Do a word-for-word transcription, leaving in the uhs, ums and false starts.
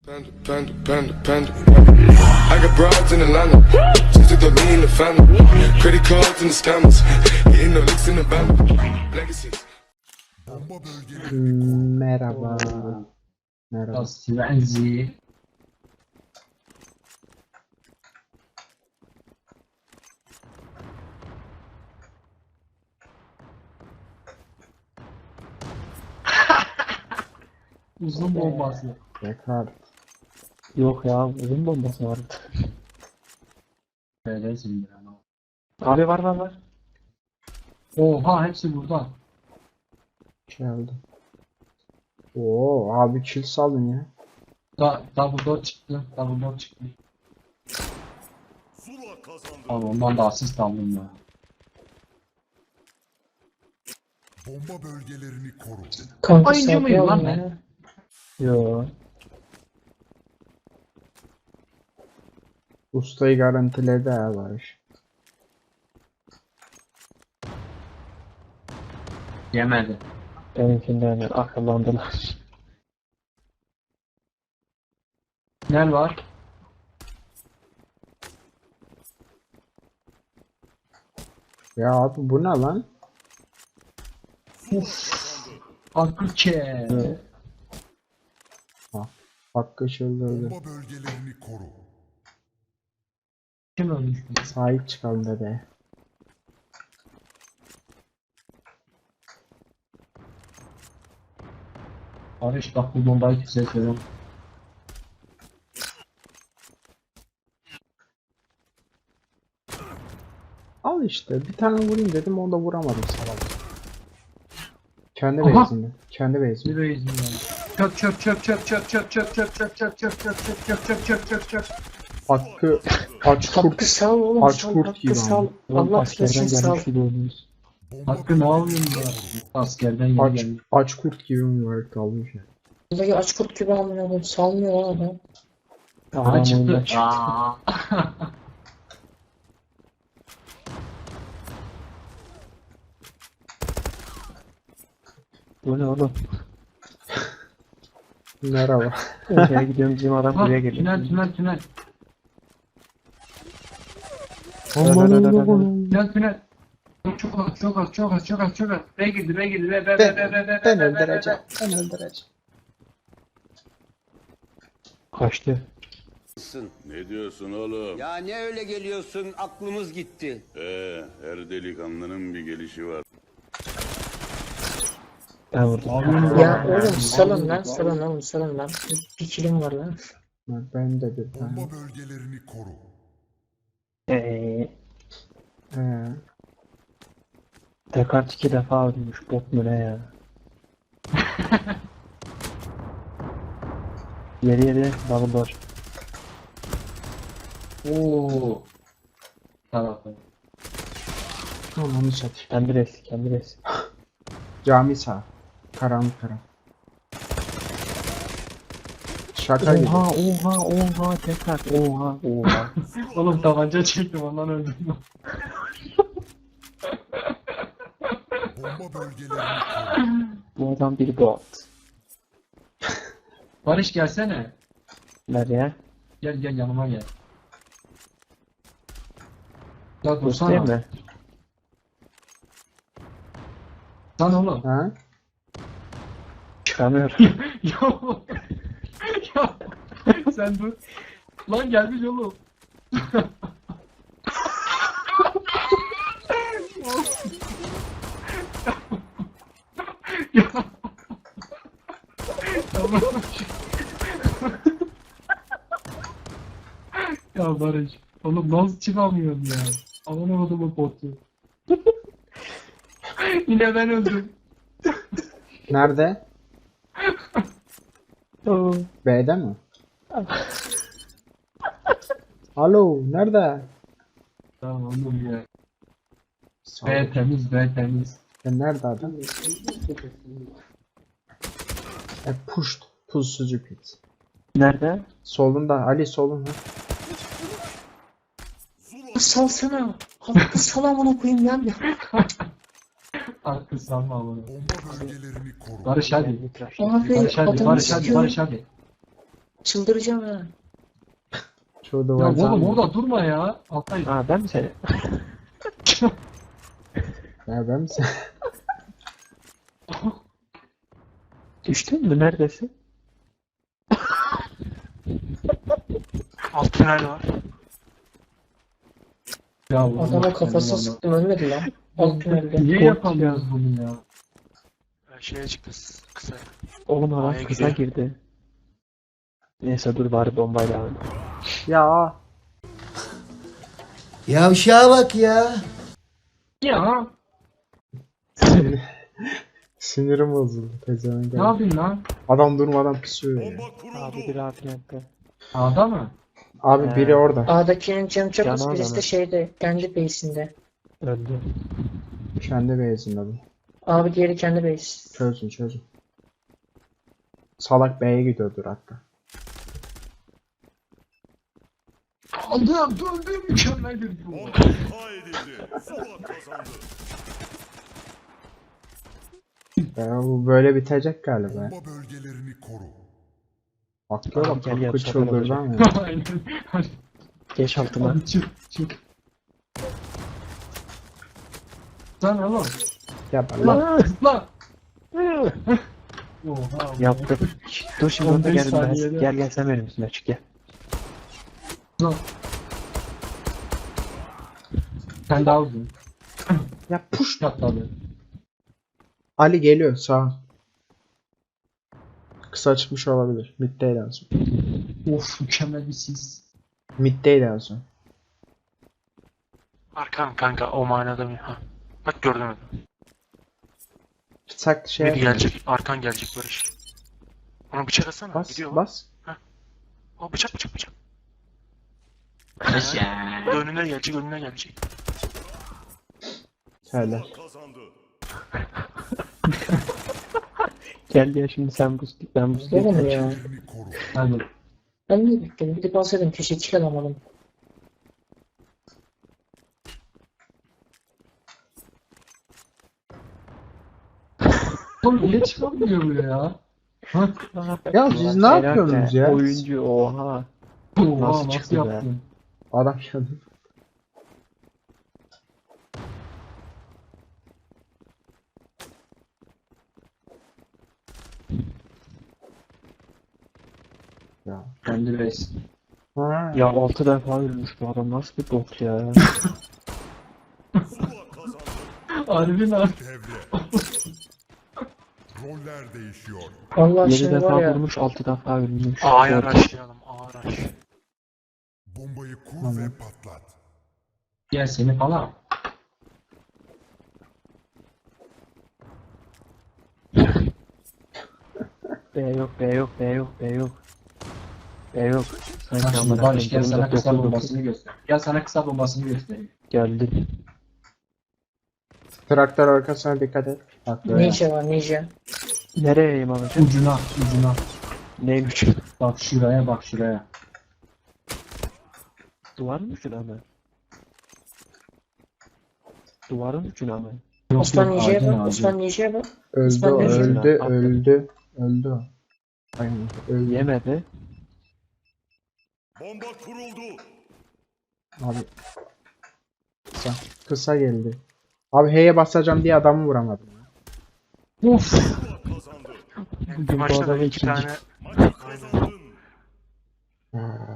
Panda, panda, panda, panda. I got broads in Atlanta. Just to throw me in the family. Credit cards and the scammers. Getting no licks in the band. Legacies. Merhaba. Merhaba. Svenzi. Uzun bombası. Tekrar. Yok ya, uzun bombası vardı. Böyle zindir ama. Abi var var var. Oha hepsi burada. Geldi. Oo abi kill salın ya. Da double door çıktı. Double door çıktı. Abi ondan da asist aldım ya. Bomba bölgelerini koru. Kanka Oyuncu muyum lan ben? ya. Yo. Ustayı garantiledi ha Barış. Yemedi. Benimkinden akıllandılar. Nel var? Ya abi bu ne lan? Akıke. Hakkı çıldırdı. Bomba bölgelerini koru. Kim ölmüş? Sahip çıkalım dede. Barış bak bu bombayı size söylüyorum. Al işte bir tane vurayım dedim onu da vuramadım salak. Kendi Aha! base'imde. Kendi base'imde. Bir yüzünden. Çöp çöp çöp çöp çöp çöp çöp çöp çöp çöp çöp çöp çöp çöp çöp çöp çöp çöp. Hakkı aç Hakkı kurt. sal oğlum, Aç sal, kurt Hakkı gibi sal. ama. Allah Askerden için sal. gelmiş gibi oynuyoruz. Bomba Hakkı ne yapıyorsun ya? Askerden yeni Aç, geldi. aç kurt gibi mübarek kalmış ya. Buradaki aç kurt gibi amına koyayım, salmıyor lan adam. Bana çıktı. oyundan çıktı. Aa. Bu ne oğlum? Merhaba. Oraya gidiyorum, bizim adam Ha, buraya geliyor. tünel tünel tünel. Aman Öyle, öyle, Allah'ım. Tünel tünel. Çok az çok az çok az çok az çok az. Be girdi be girdi be be be Ben, be be be ben be, be, be, öldüreceğim. be. Ben öldüreceğim. Kaçtı. Ne diyorsun oğlum? Ya ne öyle geliyorsun, aklımız gitti. Ee, her delikanlının bir gelişi var. Ben vurdum. Abi, Ya abi, oğlum abi, salın abi, lan, abi. salın oğlum, salın lan. Bir kilim var lan. Ben de bir tane. bomba bölgelerini koru. Eee. Ee, Descartes iki defa ölmüş, bot mu ne ya? Yeri yeri double door. Oo. Tamam. onu satayım. Kendi res, kendi res. Cami sağ. Karanlık karan. Şaka gibi. Oha oha oha tekrar oha oha. Oğlum tabanca çektim ondan öldüm. Bomba bölgelerini koru. Bu adam bir bot. Barış gelsene. Nereye? Gel gel yanıma gel. Ya Bot değil dursana. mi? Lan oğlum. Ha? Çıkamıyorum. ya. ya. Sen dur. Lan gelmiş oğlum. ya. Tamam. ya Barış. Oğlum nasıl çıkamıyorum ya. Aman oğlum botu. Yine ben öldüm. Nerede? Oo. B'de mi? Alo, nerede? Tamam oğlum ya. Sağ B ol. temiz B temiz. E, nerede adam? E, pushed. Pusucu pit. Nerede? Solunda. Ali solunda. Salsana. Hakkı sal amına koyayım ya. Artık sanma bunu. Bomba bölgelerini koru. Barış hadi. Abi Barış hadi adamı Barış hadi sıkıyor. Barış hadi. Çıldıracağım ha. Şu Ya duvar oğlum zannediyor. orada durma ya. Altay. Aa ben mi seni? Ya ben mi sen? Düştün mü? Neredesin? Alt tünel var. Ya Adama kafasına sıktım ölmedi lan. Alt tünelde. Niye yapamıyoruz bunu ya? Ee, Şeye çıktı kısa. Oğlum adam A'ya kısa gidiyor. girdi. Neyse dur bari bombayla alayım. Ya. Yavşağa bak ya. Ya Sinir- Sinirim bozuldu. Pezevenk. ne yapayım lan? Adam durmadan pisuyor ya. Abi bir afiyetle. A'da mı? Abi He. biri orada. A'dakinin canı çok az, Canı birisi adamı. de şeyde, kendi base'inde. Öldü. Kendi beyazında bu. Abi diğeri kendi base. Çözün çözün. Salak B'ye gidiyordur hatta. Aldım döndüm mükemmel bir gol. Ya bu böyle bitecek galiba. ya. Bomba bölgelerini koru. Bakıyor Abi bak gel, gel, hakkı şaka çıldırdı yapacağım. ama. Aynen. Geç altıma. Hadi çık çık. Lan oğlum. Ya lan. Lan. Oha. Yaptım. Şşt, dur şimdi on orada beş gel ben. saniyede. Gel gel sen benim üstüme çık gel. Lan. Sen daha uzun. Ya push. Atladı. Ali geliyor sağ. Kısa çıkmış olabilir. Mid'deydi en son. Of mükemmel bir sis. Mid'deydi en son. Arkan kanka o manada mı? Ha. Bak gördün mü? Sak şey Biri yapma. gelecek. Arkan gelecek Barış. Ona bıçak atsana. Bas Gidiyor. bas. O bıçak bıçak bıçak. Önüne gelecek önüne gelecek. Helal. Gel ya şimdi sen buz ben buz Oğlum geç. ya. Bölgelerini koru. Hadi. Ben niye bekledim? Gidip alsaydım keşke kill alamadım. Oğlum niye çıkamıyor bu ya? Ha? Ya siz ne Helal yapıyorsunuz be, ya? Oyuncu oha. Oha, Nasıl çıktı be? yaptın? Adam geldi. Ya. Kendi base. Ha. Ya altı defa ölmüş bu adam nasıl bir bot ya. Harbi lan. Devre. Roller değişiyor. Allah yedi şimdi var defa ya. vurmuş altı defa ölmüş. A'ya Dört. araştıralım. A araş. Bombayı kur Tamam. ve patlat. Gel seni falan. B yok B yok B yok B yok. B yok. Sanki Bak şimdi amına Barış gel koyayım, sana dokuz, kısa dokuz. bombasını göster. Gel sana kısa bombasını göstereyim. Geldi. Traktör arkasına dikkat et. Bak böyle. Ninja var ninja. Nereye eğim alacağım? Ucuna ucuna. Neymiş? Bak şuraya bak şuraya. Duvarın ucuna mı? Duvarın ucuna mı? Yok, Osman yok, ninja'ya ağacın, bak. ağacın. Osman ninja'ya bak. Öldü İsmail o, Bey. öldü Attım. öldü. Öldü o. Aynen öldü. Yemedi. Bomba kuruldu. Abi. Kısa. Kısa geldi. Abi H'ye basacağım diye adamı vuramadım. Of. Bir bu maçta da adamı iki ikinci. tane Maçı kazandın. Ha.